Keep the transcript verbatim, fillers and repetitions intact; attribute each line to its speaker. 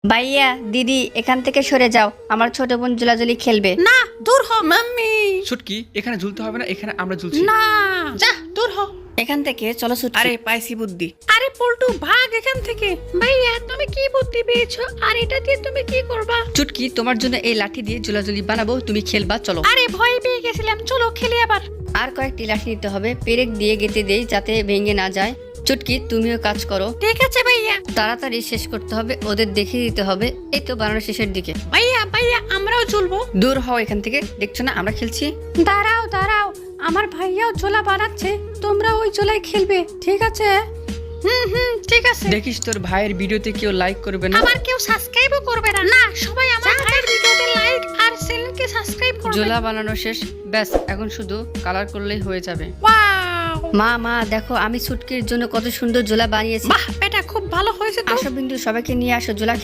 Speaker 1: ভাইয়া দিদি এখান থেকে সরে যাও, আমার ছোট বোন ঝুলাঝুলি খেলবে।
Speaker 2: না দূর হ মাম্মি।
Speaker 3: ছুটকি এখানে ঝুলতে হবে না, এখানে আমরা ঝুলছি।
Speaker 2: না যা দূর হ।
Speaker 1: এখান থেকে চলো ছুটকি।
Speaker 3: আরে পাইছি বুদ্ধি।
Speaker 2: আরে পল্টু ভাগ এখান থেকে। ভাইয়া তুমি কি বুদ্ধি পেয়েছো আর এটা দিয়ে তুমি কি করবা?
Speaker 1: চুটকি তোমার জন্য এই লাঠি দিয়ে ঝুলাঝুলি বানাবো, তুমি খেলবা চলো।
Speaker 2: আরে ভয় পেয়ে গেছিলাম, চলো খেলি আবার।
Speaker 1: আর কয়েকটি লাঠি নিতে হবে, পেরেক দিয়ে গেঁথে দেই যাতে ভেঙে না যায়। চুটকি তুমিও কাজ করো,
Speaker 2: ঠিক আছে ভাইয়া।
Speaker 1: তাড়াতাড়ি শেষ করতে হবে, ওদের দেখিয়ে দিতে হবে। এই তো বানানোর শেষের দিকে।
Speaker 2: ভাইয়া ভাইয়া আমরাও ঝুলবো।
Speaker 1: দূর হও এখান থেকে, দেখছো না আমরা খেলছি।
Speaker 2: দাঁড়াও দাঁড়াও, আমার ভাইয়াও ঝোলা বানাচ্ছে, তোমরা ওই ঝোলায় খেলবে, ঠিক আছে? হুম হুম ঠিক আছে।
Speaker 3: দেখিস তোর ভাইয়ের ভিডিওতে কেউ লাইক করবে না।
Speaker 2: আবার কেউ সাবস্ক্রাইবও করবে না। না সবাই আমার ভাইয়ের ভিডিওতে লাইক আর চ্যানেলকে সাবস্ক্রাইব করবে।
Speaker 1: ঝোলা বানানো শেষ, ব্যাস এখন শুধু কালার করলেই হয়ে যাবে।
Speaker 2: ওয়াও
Speaker 1: মা মা দেখো আমি ছুটকির জন্য কত সুন্দর ঝোলা বানিয়েছি।
Speaker 2: বাহ, এটা খুব ভালো হয়েছে তো।
Speaker 1: আসো বিন্দু, সবাইকে নিয়ে আসো ঝোলা